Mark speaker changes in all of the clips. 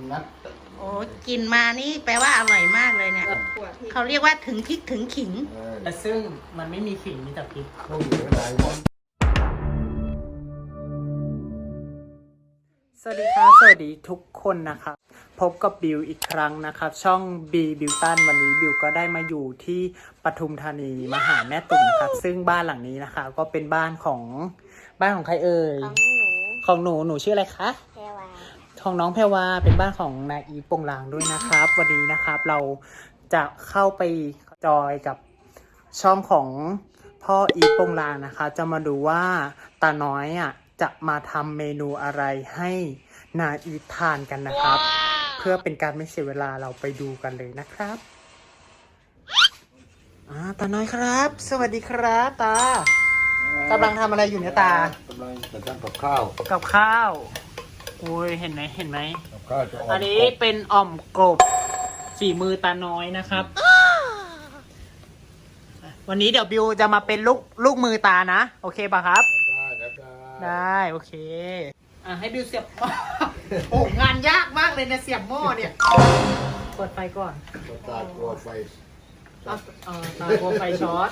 Speaker 1: นะ
Speaker 2: โอ้กินมานี่แปลว่าอร่อยมากเลยเนี่ยเขาเรียกว่าถึงพริกถึงขิง
Speaker 3: แต่ซึ่งมันไม่มีขิงมีแต่พริก
Speaker 1: พวกอยู่ไม่ได้หมด
Speaker 3: สวัสดีครับสวัสดีทุกคนนะครับพบกับบิวอีกครั้งนะครับช่องบีบิวตันวันนี้บิวก็ได้มาอยู่ที่ปทุมธานีมาหาแม่ตุ่มนะครับซึ่งบ้านหลังนี้นะคะก็เป็นบ้านของใครเอ่ยของหนูชื่ออะไรคะ
Speaker 2: แพรวา
Speaker 3: ของน้องแพรวาเป็นบ้านของนายอีทโปงลางด้วยนะครับวันนี้นะครับเราจะเข้าไปจอยกับช่องของพ่ออีทโปงลางนะคะจะมาดูว่าตาน้อยจะมาทำเมนูอะไรให้นาอีททานกันนะครับ เพื่อเป็นการไม่เสียเวลาเราไปดูกันเลยนะครับตาน้อยครับ สวัสดีครับตากำลังทำอะไรอยู่เนี่ยตาก
Speaker 1: ำลังจะทำกับข้าว
Speaker 3: กับข้าวโอ้ยเห็นไหม
Speaker 1: กับข้าวจะ
Speaker 3: อันนี้เป็นอ่อมกบฝีมือตาน้อยนะครับ วันนี้เดี๋ยวบิวจะมาเป็นลูกมือตานะโอเคป่ะครับได้โอเคให้บิวเสียบ โอ้งานยากมากเลยนะเสียบหม้อเนี่ยเปิดไฟก่อน
Speaker 1: ตาตัวไฟ
Speaker 3: ตากลัวไฟช็อต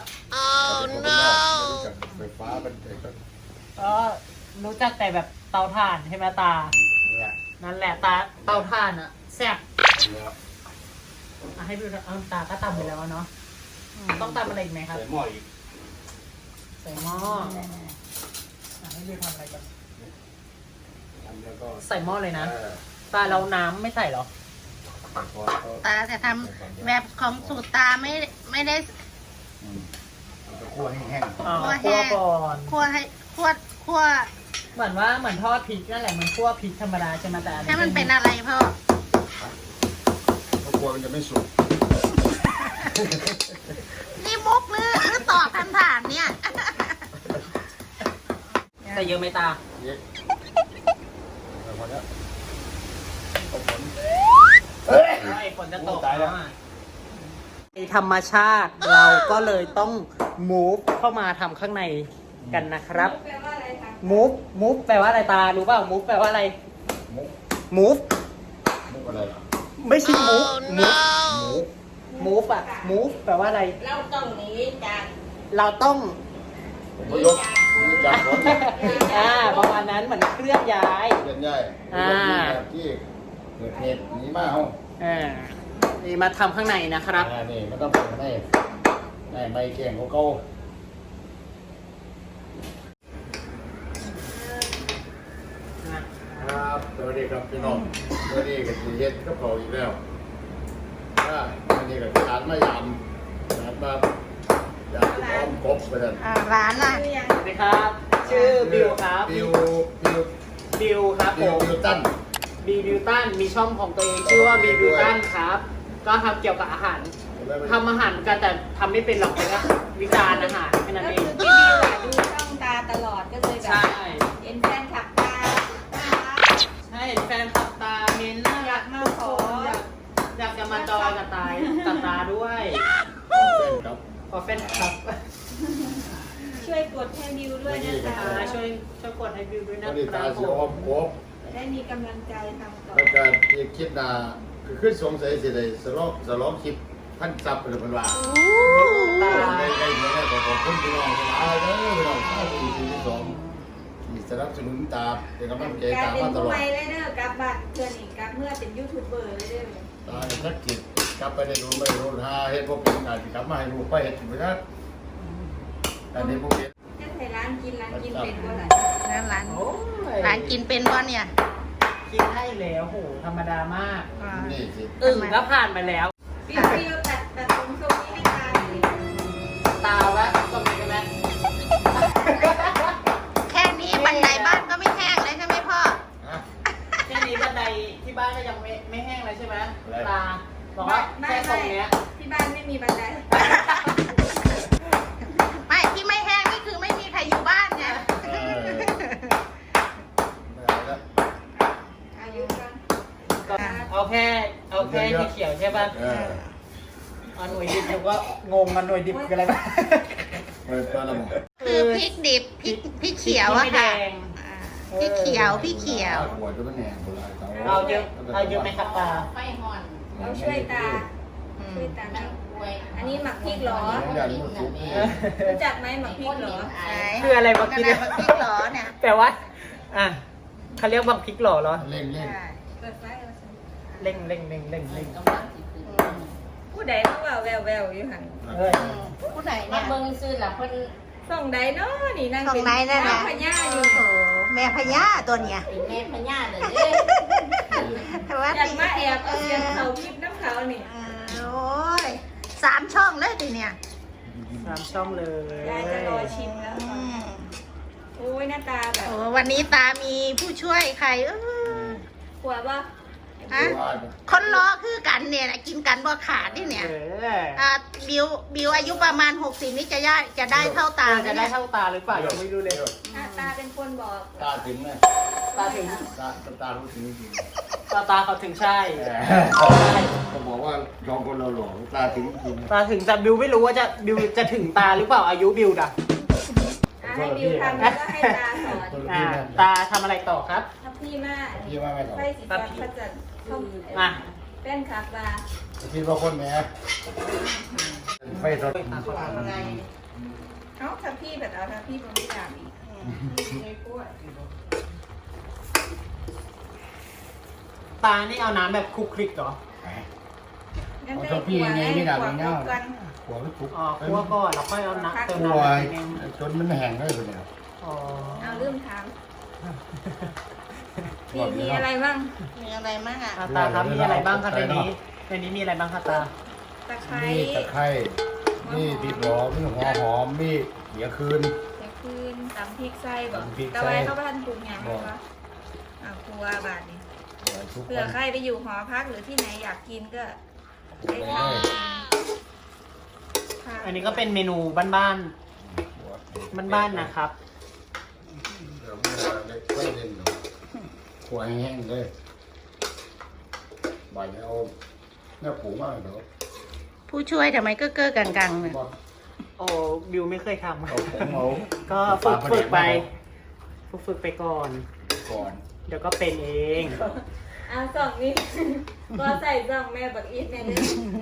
Speaker 1: ไฟฟ้าเป็นไงกัน
Speaker 3: ก็รู้จักแต่แบบเตาถ่านใช่ไหมตา
Speaker 1: เนี่ย
Speaker 3: นั่นแหละตาเตาถ่านอะแซ่บ
Speaker 1: เนี่ย
Speaker 3: ให้บิวตาก็ตำไปแล้วเนาะต้องตำอะไรอีกไหมครับ
Speaker 1: ใส่หม้ออีก
Speaker 3: ใส่หม้อให้บิวทำอะไรกัน
Speaker 1: แล้วก็
Speaker 3: ใส่หม้อเลยนะตาเราน้ำไม่ใส่หรอ
Speaker 2: ตาจะทำแบบของสูตรตาไม่ได้
Speaker 1: คั่วแห้ง
Speaker 3: คั่วก่อน
Speaker 2: คั่วให้คั่ว
Speaker 3: เหมือนทอดพริกนั่นแหละมันคั่วพริกธรรมดาใช่ไหมแต่
Speaker 2: ให้มันเป็นอะไรพ่อ
Speaker 1: ๆเพราะกลัวมันจะไม่สุก
Speaker 2: นี่มุกหรือตอบคำถามเนี่ย
Speaker 3: แต่เยอะไหมตา
Speaker 1: เยอะแต่พอแล้วเอาผล
Speaker 3: ไอ้ฝนจะตก
Speaker 1: ตายแล้ว
Speaker 3: ในธรรมชาติเราก็เลยต้อง move เข้ามาทำข้างในกันนะครับ move แปลว่าอะไรตารู้เปล่า move แปลว่าอะไร
Speaker 1: มุก
Speaker 3: move
Speaker 1: มุกอะไรล่ะ
Speaker 3: ไม่ใช่ move
Speaker 1: หมู
Speaker 3: move move แปลว่าอะไร
Speaker 2: เราต้องหนีจาก
Speaker 3: เราต้อง
Speaker 1: ผมก็ยกจากรถ
Speaker 3: ประมาณนั้นเหมือนเคลื่อนย้าย
Speaker 1: เล่นใหญ่แบบที่เกิดเหตุหนีมาเอา
Speaker 3: นี่มาทำข้างในนะครับ
Speaker 1: นี่มันต้องเป็นให้ไม่เก่งของเขาครับสวัสดีครับพี่น้องสวัสดีกับสีเฮ็ดกับเขาอีกแล้ววันนี้กับร้านมายำร้านมายำพร้อมกบไปกัน
Speaker 2: ร้านล่ะ
Speaker 3: สวัสดีครับ ชื่อบิวครับ
Speaker 1: บิว
Speaker 3: ครับผม
Speaker 1: บิวตัน
Speaker 3: บิวตันมีช่องของตัวเองชื่อว่าบิวตันครับ ก็ทำเกี่ยวกับอาหารทำอาหารกันแต่ทำไม่เป็นหรอกเลยนะวิจารณ์อาหารแค่นั้น
Speaker 4: ก็
Speaker 3: เอ
Speaker 4: คื
Speaker 3: ง
Speaker 4: อพี่บิวดูช่องตาตลอดก็เลยแบ
Speaker 3: ใช่
Speaker 4: บเอ็นแฟนคลับตา
Speaker 3: ใช่เห็นแฟนคลับตาเมนน่ารักมากอยากจะมาจอยกับตาด้วย
Speaker 1: ครับ
Speaker 3: ขอแฟนคลับ
Speaker 4: ช่วยกดให้บิวด้วยนะคะ
Speaker 3: ช่วยกดให้บิวด้วยนะ
Speaker 1: วันนี้
Speaker 3: ครั
Speaker 1: ตา
Speaker 3: บ
Speaker 1: เสียอมกบ
Speaker 4: จะได้มีกำลังใจทำต่อ
Speaker 1: แล้วก็ที่คิดนาคือขึ้นสงสัยสิได้สลองคิดพันซับหรือเป็นว่า
Speaker 3: ตา
Speaker 1: ได้เงินได้ขอบคุณพี่น้องหลายเด้อพี่น้องข้าวปีที่สองที่สนับสนุนตาเป็นกำลังใจ
Speaker 4: กลาย
Speaker 1: ตา
Speaker 4: เป็น
Speaker 1: มาต
Speaker 4: ผู้
Speaker 1: ลอด
Speaker 4: ใหม่เลยเด้อกลับบ้านเพื่อนอีกกลับเมื่อเป็นยูทูบเบอร์เลยเด้อ
Speaker 1: ตาชักจิตกลับไปได้รู้ไม่รู้หาเฮ็ดบ่เป็นงานสิกลับมาให้ลูกไปเฮ็ดบ่ได้อันนี้บ่เฮ็ด
Speaker 4: จะใส่ร้านกินเป็นก็ไหน
Speaker 2: ร้าน
Speaker 3: โอ้ย
Speaker 2: ร้านกินเป็นบ่เนี่ย
Speaker 3: กินให้แล้วโหธรรมดามาก
Speaker 1: นี่สิ
Speaker 3: อึ่งก็ผ่านไปแล้ว
Speaker 4: บิวตัดผมทรงนี้ให้ตาเลย
Speaker 3: ตาวะตรงนี้กันไหม
Speaker 2: แค่นี้บันไดบ้านก็ไม่แห้งเลยใช่ไหมพ่อ
Speaker 3: แค่นี้บันไดที่บ้านก็ยังไม่แห้งเลยใช่ไหมตาบอกว่าแค่ตรงเนี้ย
Speaker 4: ที่บ้านไม่มีบันได
Speaker 2: ไม่ที่ไม่แห้งนี่คือไม่มีใครอยู่บ้านไง
Speaker 4: อายุกัน
Speaker 3: ก็เอาแค่ที่เขียวใช่ป่ะหน่วยดิบผมก็งงกันหน่วยดิบคืออะไรบ้าง
Speaker 1: เปิดละหมด
Speaker 2: คือพริกดิบพริกเขียวอะค่ะ
Speaker 3: พริกไม่แดง
Speaker 2: พี่เขียวพี่เขียว
Speaker 1: หัวจะมันแหงโบราณเขา
Speaker 3: เอาเยอะไหมครับตา
Speaker 4: เราช่วยตาช่วยตานะอันนี้หมักพริกเหรอ
Speaker 1: อย่างนี้มันซุปนี่
Speaker 4: รู้จักไหมหมักพริกเหรอ
Speaker 3: คืออะไรบักพริก
Speaker 2: บักพริกเหรอเนี่ย
Speaker 3: แปลว่าอ่ะเขาเรียกบักพริกหล่อเหรอ
Speaker 1: เล่นเล่น
Speaker 4: เปิดไฟเอาสิ
Speaker 3: เร่ง
Speaker 4: ผู้ใดเขาว่าแววอยู่หัน
Speaker 3: เออ
Speaker 2: ผู้ไหน
Speaker 5: มา
Speaker 2: เนี่ย
Speaker 5: เบิ่งซื้อละเพิ่น
Speaker 4: ส่องใดเนาะนี่นั่ง
Speaker 2: ส่อง
Speaker 4: เป็น
Speaker 2: ไหนนั่นน่ะ
Speaker 4: พญาอยู่
Speaker 2: โอ้โหแม่พญาตัวเนี้ย
Speaker 5: เป็นแม่พญาเลยเด้
Speaker 2: แต่ว่า
Speaker 4: อยากมาแอบเอาเสียงเขาพริกน้ำเขานี่
Speaker 2: โอ้ย3 ช่องเลยทีเนี่ย
Speaker 3: 3 ช่องเลย
Speaker 4: ยายจะรอชิมแล้ว
Speaker 2: อืม
Speaker 4: โอ้ยหน้าตาแบบ
Speaker 2: โอ้วันนี้ตามีผู้ช่วยใคร
Speaker 4: กลัวป่ะ
Speaker 2: ฮะคนรอคือกันเนี่ยนะกินกันบ่ขาดนี่เนี่ย
Speaker 3: เออ
Speaker 2: บิวอายุประมาณ60นี่จะได้เท่าตา
Speaker 3: จะได้เท่าตาหรือเปล่ายังไม่รู้เลย
Speaker 4: หน้าตาเป็นคนบอก
Speaker 1: ตาถึงไหม
Speaker 3: ตาถึง
Speaker 1: ตารู้ถึงจริง
Speaker 3: ตาเขาถึงใช่
Speaker 1: เขาบอกว่าลองคนเราหลงตาถึงจริง
Speaker 3: ตาถึงแต่บิวไม่รู้ว่าบิวจะถึงตาหรือเปล่าอายุบิวด่ะ
Speaker 4: ให้บิวทำแล้วก็ให้ตาสอน
Speaker 3: ตาทำอะไรต่อครับ
Speaker 4: ถ้าพี่มา
Speaker 1: พี่ว่าไม่หรอก
Speaker 4: ไฟสีฟ้าพระจันทร์เข้า
Speaker 3: อ่ะ
Speaker 4: เป็นครับว่า
Speaker 1: คิดว่าคนแหมไฟสด
Speaker 4: เอ้าถ้าพี่แบบเอาถ้าพี่ผมไม่ด่าอีกในกล้วย
Speaker 3: ตานี่เอาน้ำแบบคลุกคลิกเหรอ
Speaker 4: งั้น
Speaker 1: เอา
Speaker 4: ได้
Speaker 1: ถ้าพี่ไงไม่ดับ
Speaker 4: ก
Speaker 1: เงา
Speaker 4: กัน
Speaker 1: หัวไม่ทุก
Speaker 3: อ๋อคั่วก่อนแล้วค่อยเอาน้ำเติม
Speaker 1: หั
Speaker 3: น้ำ
Speaker 1: ว
Speaker 3: ไปนึง
Speaker 1: จนมันแห้งเลยเนี่ย
Speaker 3: อ๋อ
Speaker 4: เอาเริ่มถามพี่มีอะไรบ้าง
Speaker 2: มีอะไรมั่งอ่ะ
Speaker 3: ตาครับมีอะไรบ้างครับในนี้มีอะไรบ้างครับตา
Speaker 4: ตะไคร้
Speaker 1: นี่ตะไคร้นี่พริกหอมนี่หัวหอมนี่เขียคืน
Speaker 4: เดี๋ยวคืนตำพริกไส้บอก
Speaker 1: ตำพริกไส้
Speaker 4: ตะไว้เข้าบ้านปรุงยังไหมคะครัวบาทนี่เผื่อใครไปอยู่หอพักหรือที่ไหนอยากกินก็ได้ทานค่ะ
Speaker 3: อันนี้ก็เป็นเมนูบ้านๆนะครับ
Speaker 1: เดี๋ยวไม่ได้เล่นหรอกหัวแห้งเลยบ่ายเอาเนี่ยผูมากเดี๋ยว
Speaker 2: ผู้ช่วยทำไมก็เก้อกังๆเนี่ย
Speaker 1: บอก
Speaker 3: โอ้บิวไม่เคยท
Speaker 1: เอาผมเอา
Speaker 3: ำก็ฝึกไปฝึกไปก่อน
Speaker 1: ก่อน
Speaker 3: เดี๋ยวก็เป็นเอง
Speaker 4: เอาสองนี่ ก็ใส่สองแม่บักอีทแม่เลย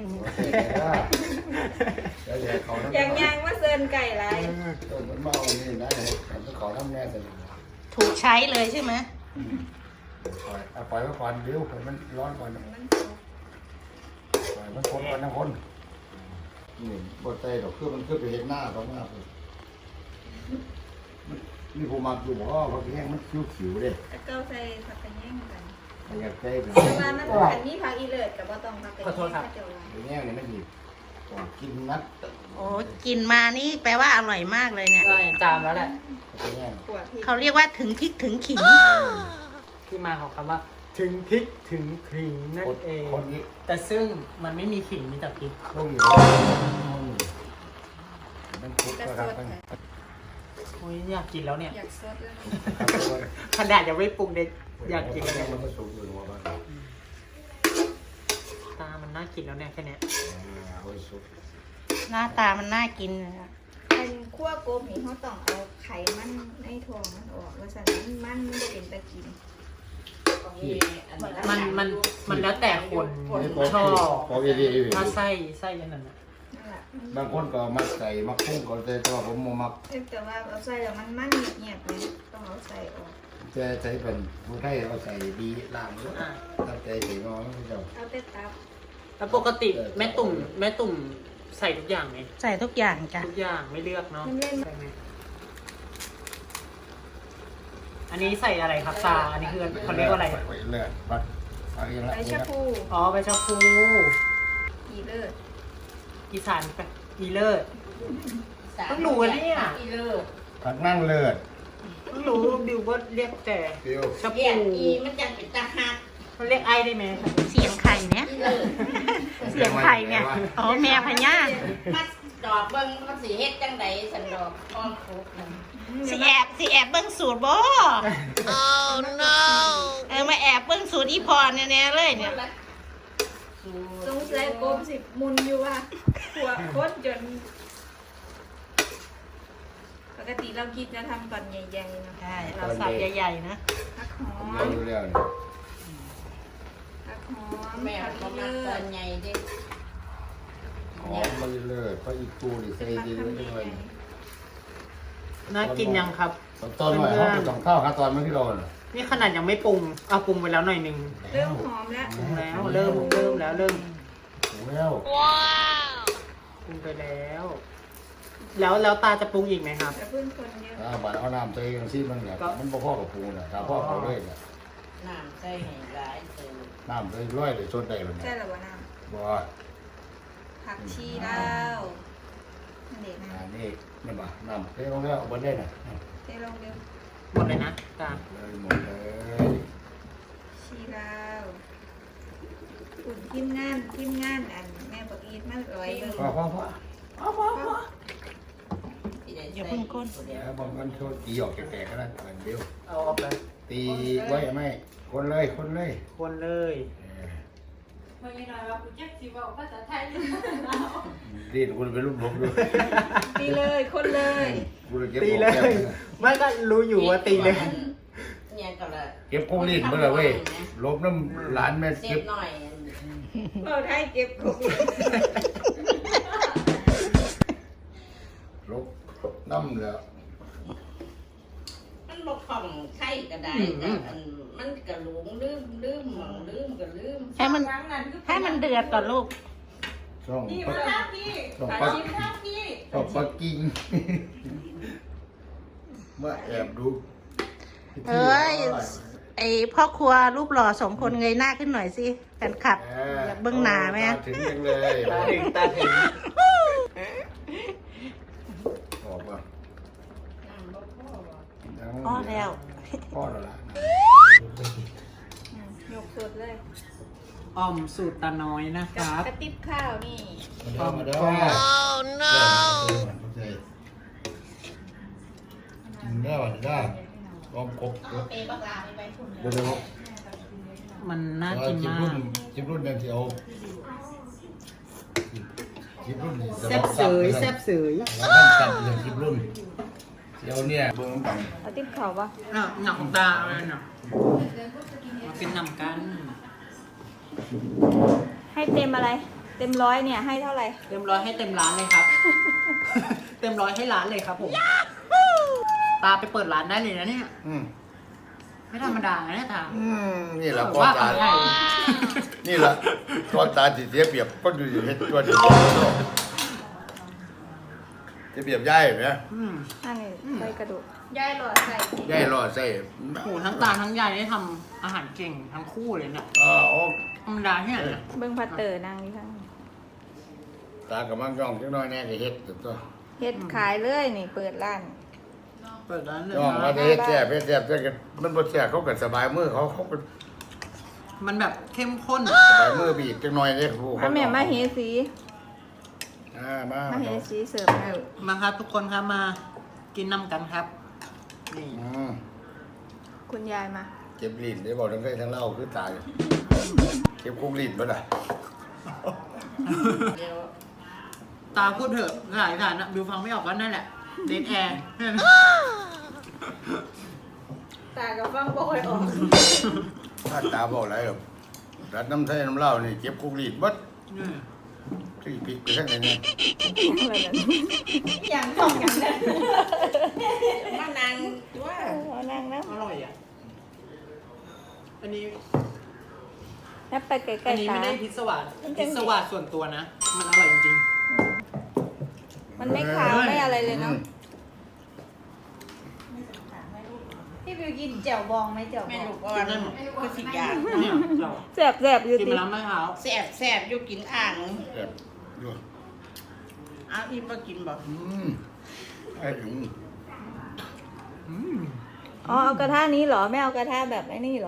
Speaker 1: เดี๋ยวเขาทำ
Speaker 4: ยังว่าเซินไก่ไร
Speaker 1: ต้นมันเมานี่นะเดี๋ยวเขาทำแน่แต่
Speaker 2: ถูกใช้เลยใช่ไหม
Speaker 1: ปล่อยไว้ก่อนเดี๋ยวมันร้อนก่อน
Speaker 4: มัน
Speaker 1: ปล่อยมันคนก่อนนะคนนี่บดใจดอกคือมันคือไปเห็นหน้าเขาหน้าเลยนี่ผมมาอยู่บอกว่าเขาแห้งมันคิ้วๆเลย
Speaker 4: ตะเก้าใส่ผักกระแยงกัน
Speaker 1: อยากใจเป็น
Speaker 4: แต่ว่ามันอันนี้ผักอีเลิศกับว่าต้องผักกระแยงเจ้าว่า
Speaker 1: แห้งนี่ไม่ดีกินนัด
Speaker 2: โอ้กินมานี่แปลว่าอร่อยมากเลยเนี่ย
Speaker 3: จามแล้วแหละ
Speaker 1: แห้ง
Speaker 4: ขวดพริก
Speaker 2: เขาเรียกว่าถึงพริกถึงขิง
Speaker 3: ที่มาของคำว่า ถึงพริกถึงขิงนั่นเอง
Speaker 1: คนนี้
Speaker 3: แต่ซึ่งมันไม่มีขิงมีแต่พริก
Speaker 1: ต้องอยู่มันทุกข์นะครับ
Speaker 3: โอ้ยอยากกินแล้วเนี่ย
Speaker 4: อยากซดแล้ว
Speaker 3: ขนาดยังไม่ปรุงเด็กอยากกินแล้วเนี่ย
Speaker 1: มันก็สูงอยู่หัวบ้าน
Speaker 3: ตามันน่ากินแล้วเนี่ยแค่เนี้ย
Speaker 1: เอาไปสุก
Speaker 2: หน้าตามันน่ากินเลยอะ
Speaker 4: เป็นคั่วกบนี่เขาต้องเอาไข่มันในทองมันออกว่าสันมันไม่ได้เป็นตะกิน
Speaker 3: มันแล้วแต่คนชอบ
Speaker 1: พอดี
Speaker 3: ถ้าไส้ยันนั้นนะ
Speaker 4: นั่นแหละ
Speaker 1: บางคนก็มักใส่มักพุ่งก็แต่ตัวผมมัก
Speaker 4: แต่ว่าเอาใส่แล้วมันเงียบๆเลยต้องเอาใส่ออก
Speaker 1: จะใส่เป็นผู้ไทยเอาใส่ดีล่างด้วยถ้าใจใส่น้อยไม่เจ้า
Speaker 4: เอาแต่ตับ
Speaker 3: แล้วปกติแม่ตุ่มใส่ทุกอย่างไหม
Speaker 2: ใส่ทุกอย่างจ้ะ
Speaker 3: ทุกอย่างไม่เลือกเนาะ
Speaker 4: มันเล่น
Speaker 3: ใช่ไหมอันนี้ใส่อะไรครับตาอันนี้คือเขาเรียกว่าอะไร
Speaker 1: เลือดปัดอะไรละ
Speaker 4: ใบชะพู
Speaker 3: อ๋อใบชะพู
Speaker 4: อีเลิศ
Speaker 3: อีสานแปะอีเลิศ ต้องรู้อะเนี่ย
Speaker 5: อีเลิศ
Speaker 1: ผักนั่งเลือด
Speaker 3: เพิ่งรู้บิวก็เรียกแต่
Speaker 1: เดียว
Speaker 3: ชะ
Speaker 5: เรี
Speaker 3: พู
Speaker 5: ยกอีมันจังเป็นตาหัก
Speaker 3: มันเรียกไอ้ได้ไหมครับ
Speaker 2: เสียงไข่เนี่ย
Speaker 5: อีเลิศ
Speaker 2: เสียงไข่เนี่ยอ๋อแม่พญา
Speaker 5: มาดอกเบิ่งมันสิเฮ็ดจังไดสันดอกอ้อมคุกนั่น
Speaker 2: สิแอบเบิ้งสูตรบ่ oh no มาแอบเบิ้งสูตรอีพรแน่ๆเลยเนี่ย
Speaker 4: สงสัยกบสิมุนอยู่ว่าหัวโคตรจนปกติเราคิดจะทำตอนใหญ่ๆนะ
Speaker 2: ใช่เราสับใหญ่ๆนะ
Speaker 4: ผักหอ
Speaker 1: ผม
Speaker 4: ม
Speaker 1: รู้แล้วนี่
Speaker 4: ผักหอม
Speaker 5: แม่
Speaker 4: ผัก
Speaker 5: ก็
Speaker 4: เลื
Speaker 5: มาต
Speaker 4: อ
Speaker 5: อ
Speaker 4: ด
Speaker 5: นใหญ่ดิ
Speaker 1: หอมมาเลยเพราะอีกตูนี่ใส่ดีด้วยจังเลย
Speaker 3: น่ากินยังครับ
Speaker 1: ตอนหน่อยเขาไปสองข้าวครับตอนเมื่อที่เราน่ะ
Speaker 3: นี่ขนาดยังไม่ปรุงเอาปรุงไปแล้วหน่อยหนึง
Speaker 4: เริ่มหอมแล้ว
Speaker 3: ปรุงแล้วเริ่มแล้วเริ่ม
Speaker 1: ถึงแล้ว
Speaker 3: ปรุงไปแล้ว แล้วตาจะปรุงอีกไหมครับ
Speaker 4: แต่เพื่อนคนเยอะ
Speaker 1: บาดเอาน้ำใส่กันซีมันเนี่ยมันบ่พอกับปูน่ะถ้าพ่อเขาเลยเนี่ย
Speaker 5: น้ำใส่ให้หลายเติม
Speaker 1: น้ำใส่ร้อยเลยชดได้เลย
Speaker 4: ใช่
Speaker 1: เนี่ย
Speaker 4: หรือว่าน้
Speaker 1: บ่
Speaker 4: ำผักชีลาวนั่นเด็กนะ
Speaker 1: นี่นี่บ่น้ำเทลงแล้วเอาบ่ได้น่ะ
Speaker 4: เทลงเร็ว
Speaker 3: หมดเลยนะตา
Speaker 1: เลยหมดเลย
Speaker 4: ชีลาวอุ่นทิมงานอันแม่บอกอีทมันร้อยเลย
Speaker 1: พ่อ
Speaker 5: ที่ได้
Speaker 2: อย่า
Speaker 5: ใส่
Speaker 2: เพิ่งก้น
Speaker 1: แล้วบางมันโชดตีออกแก่ๆก็ได้อันเดียว
Speaker 3: เอาออกไป
Speaker 1: ตีไว้ไหมคนเลย
Speaker 3: คนเลย
Speaker 1: ดีดคุณเป็นลูกผมด้วย
Speaker 4: ตีเลยคนเลย
Speaker 1: คุณเก็บ
Speaker 3: ตีเลยไม่ก็รู้อยู่ว่าตีเลย
Speaker 5: เนี่ยก็ละ
Speaker 1: เก็บกุ้งลิ้นเมื่อไรเว้ยลบน้ำหลานแม่
Speaker 5: เสี
Speaker 1: เก็
Speaker 5: ย
Speaker 1: บบ
Speaker 5: หน่อย
Speaker 4: เราไทยเก็บของ
Speaker 1: ลบน้ำแล้ว
Speaker 5: มันบ่คล่องไข่ก็ได้แต่มันก็หลงลืมหมองลืมก็ลืม
Speaker 2: ให้มันเดือดก่อนลูก
Speaker 1: ช่องปักกิ่งมาแอบดู
Speaker 2: เอ้ย ไอพ่อครัวรูปหล่อสองคนเงยหน้าขึ้นหน่อยสิแฟนคลับอยากเบิ้งหน้าไหม
Speaker 1: ถึงยังเลย
Speaker 3: ตาถึง
Speaker 1: ออกมา
Speaker 5: น้ำบ่พอบ่
Speaker 2: อ๋อแล้ว
Speaker 1: พ่อแล้วล่ะ
Speaker 4: ยกสดเลย
Speaker 3: อ่อมสูตรตาน้อยนะค
Speaker 4: กับ
Speaker 3: รับ
Speaker 4: กระติบข้าวนี่
Speaker 1: มาเด้อกินได้วันได้ลองกบ
Speaker 5: เอาเปบักลาไปพุ่น
Speaker 1: เดี๋ยว
Speaker 3: มันน่ากินมาก
Speaker 1: จิบรุ่นยังเที่ยวจิบรุ่น
Speaker 3: แซ่บเสยแซ่บเสย
Speaker 1: แล้วมันจับอย่างจิบรุ่นเที่ยวเนี่ยเบิ้งกัน
Speaker 4: เอาติบข้าวปะ
Speaker 3: หนักของตาอะไรเนาะมากินนำกัน
Speaker 4: ให้เต็มอะไร เต็มร้อยเนี่ยให้เท่าไหร่
Speaker 3: เต็มร้อยให้เต็มร้านเลยครับ เต็มร้อยให้ร้านเลยครับผมตาไปเปิดร้านได้เลยนะเนี่ยไม่ธรรมดานะเนี่ยตา
Speaker 1: นี่แหละ
Speaker 3: ผม
Speaker 1: ก้อน
Speaker 3: ว่า
Speaker 1: ตา
Speaker 3: ใหญ่
Speaker 1: นี่แหละก้อนตาสิเสียเปรียบก็อยู่เห็ดตัวเดียวจะเปรียบย่ายไหม
Speaker 4: อันนี้ใส่กระดูกย่ายหลอดใส่
Speaker 1: ย่ายรอดใส่
Speaker 3: โหทั้งตาทั้งยายได้ทำอาหารเก่งทั้งคู่เลยเนี่ย
Speaker 1: โอ้
Speaker 3: ธรรมดาที่ไหนเนี่ย
Speaker 4: เบิ้งพัตเตอร์นางนี่ค่ะ
Speaker 1: ตากับมังย่องจังน้อยแน่จะเฮ็ดตัว
Speaker 4: เฮ็ดขายเลยนี่เปิดร้าน
Speaker 3: เปิดร้านเลย
Speaker 1: ย่องมา
Speaker 3: นะ
Speaker 1: เฮ็ดแซ่บกันมันบ่แซ่บเขาก็สบายมือเขาก็
Speaker 3: มันแบบเข้มข้น
Speaker 1: สบายมือบีบจังน้อยเด้ครู
Speaker 4: มาแม่มาเฮสี
Speaker 1: มา
Speaker 4: มาเฮสีเสิร์ฟให้
Speaker 3: มาครับทุกคนครับมากินน้ำกันครับ นี่
Speaker 4: คุณยายมา
Speaker 1: เก็บลิ้นได้บอกทั้งได้ทั้งเล่าคือตายเก็บคุกลิ้นบ่ได้
Speaker 5: เดี๋ยว
Speaker 3: ตาพูดเถอะหลายฐานนะบิวฟังไม่ออกก็นั่นแหละเดนแอร์
Speaker 4: ตากับฟังบ่ค่อยออก
Speaker 1: ถ้าตาบอกอะไรหรอกรัดน้ำไทยน้ำเหล้านี่เก็บคุกลิ้นบัดที่พริกไปทั้งไหนเนี่ย
Speaker 4: อย่างต้องอย่างนั้น
Speaker 5: มานางว่า
Speaker 4: เอานั่งนะ
Speaker 3: อร่อยอ่ะอันนี้
Speaker 4: แล้วไปใกล้
Speaker 3: อันนี้
Speaker 4: ๆตา
Speaker 3: ไม่ได้พิศวาส
Speaker 4: มันจะ
Speaker 3: พิศวาสส่วนตัวนะ มันอร่อยจริง
Speaker 4: มันไม่ขาวไม่อะไรเลยเนาะพี่บิวกินแจ่วบองไหมแจ่วบ
Speaker 5: แม่
Speaker 4: อง
Speaker 5: ลูกอ่อนคือสิยาก
Speaker 3: ๆเนี่ยเรา
Speaker 4: แสบอยู่
Speaker 3: กิน
Speaker 4: ติ
Speaker 3: ไปแล้วไม่เท้า
Speaker 5: แซ่บอยู่กินอ่าง
Speaker 1: แบบอยู่
Speaker 5: เอาอีบ่กินบ่
Speaker 1: ไอ้ถึง
Speaker 4: อ๋อเอากระทะนี้เหรอไม่เอากระทะแบบไอ้นี่เหรอ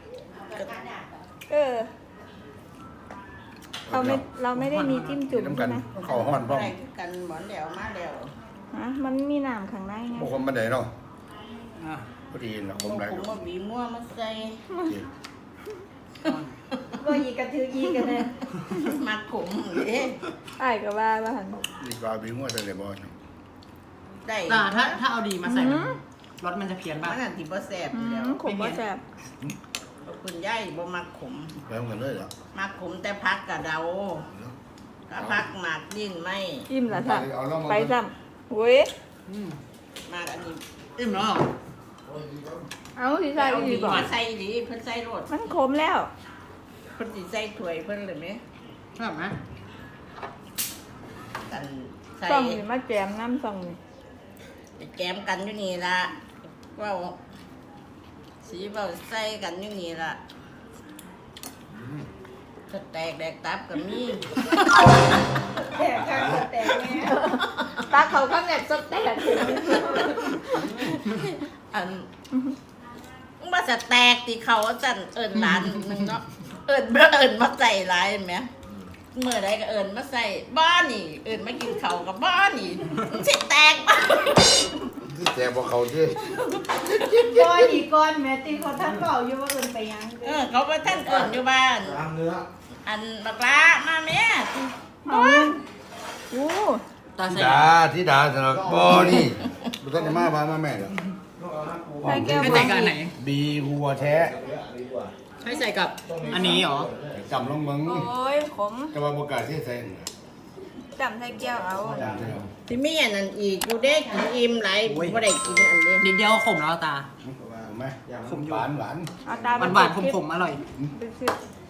Speaker 4: เราไม่ได้มีจิ้มจุ่ม
Speaker 1: น้ำกั
Speaker 4: ใช่
Speaker 1: น
Speaker 4: ไหม
Speaker 1: ข้าวห้อนพร้อม
Speaker 5: ได้กันหมอนแล้วมาแล้ว
Speaker 4: ฮะมันมีน้ำข้างในไง
Speaker 1: พวกคนบันไดเนาะ
Speaker 3: อ่ะ
Speaker 1: พอดีนะผ
Speaker 5: ผม ม
Speaker 1: ไร
Speaker 5: ว่าบีมั่วมาใส่
Speaker 4: ก็ยีกระถือยีกันเลย
Speaker 5: มาขมเด้
Speaker 4: ไอ้ก็ว่าหัน
Speaker 1: ดีกว่าบีมั่วแต่เลยบอล
Speaker 5: ได้
Speaker 3: แต่ถ้าเอาดีมาใส่รสมันจะเพี้ยน
Speaker 5: มั
Speaker 3: บ้าง
Speaker 5: นอันที่บ่แซ่บอยู่แล้ว
Speaker 4: ขมบ่แซ่บ
Speaker 5: คุณย่ายบ่มักขม
Speaker 1: แปลงกันเลยเหรอ
Speaker 5: มักขมแต่พักกะเดาถ้าพักหมากดิ้นไม่
Speaker 4: อิ่มละจ้ะไปซ้ำอุ้ย
Speaker 5: มากอันนี้
Speaker 3: อิ่มแล้วเหรอ
Speaker 4: เอาสิใส่
Speaker 5: เอา
Speaker 4: ดี
Speaker 5: ดี
Speaker 4: บ่
Speaker 5: มาใส่ดีเพิ่นใส่รส
Speaker 4: มันขมแล้ว
Speaker 5: เพิ่นสิใส่ถ้วยเพิ่นเลยไหม
Speaker 3: ชอบไหม
Speaker 5: กันใส่
Speaker 4: ส่องนี่มาแจมน้ำส่องนี่
Speaker 5: ไปแกมกันอยู่นี่ละเว่าสีเบาใส่กันอยู่นี่ละสแตกแดกตับกับมี
Speaker 4: แตกกันแตกแม่ตาเขาข้างแหนบสแตก
Speaker 5: อันมึงมาสแตกที่เขาจันเอิญร้านนึงเนาะเอิญมาใส่ร้ายไหมเมื่อใดก็เอิญมาใส่บ้านนี่ เอิญมากินเขาวกับบ้านนี่มึงสิแตกบ้าน
Speaker 1: ที่แจกบอกเขาที่
Speaker 2: ก้อนอีกก้อนแม่ตีเขาท่านบอกอยู่ว่าเอินไปยัง
Speaker 5: เขาไปท่านเอิญอยู่บ้าน
Speaker 1: ตามเนื้อ
Speaker 5: อันบักละมาแม่
Speaker 4: เอาโอ้
Speaker 3: ตาใส่
Speaker 1: ที่ดาสำหรับบอนี่ดูท่านจะมาบ้านมาแม่เหรอ
Speaker 4: ใส่แก้ว
Speaker 3: ให้ใส่กับอันไหน
Speaker 1: บีหัวแท้
Speaker 3: ให้ใส่กับอันนี้เหรอ
Speaker 1: จำลงมึง
Speaker 4: โอ้ยขม
Speaker 1: จะมาประกาศที่ใส่
Speaker 4: จำใส่แก้วเอา
Speaker 5: ที่มีอันนั้นอีกกูได้กินอิ่มหลายบ่ได้กินอันนี้
Speaker 3: นิดเดียวขมแล้วตา
Speaker 1: ถูกไหม
Speaker 3: ขมอยู่
Speaker 1: หวานหวาน
Speaker 4: เอาตา
Speaker 3: หวานๆขมๆอร่อย
Speaker 4: ไปซื้อ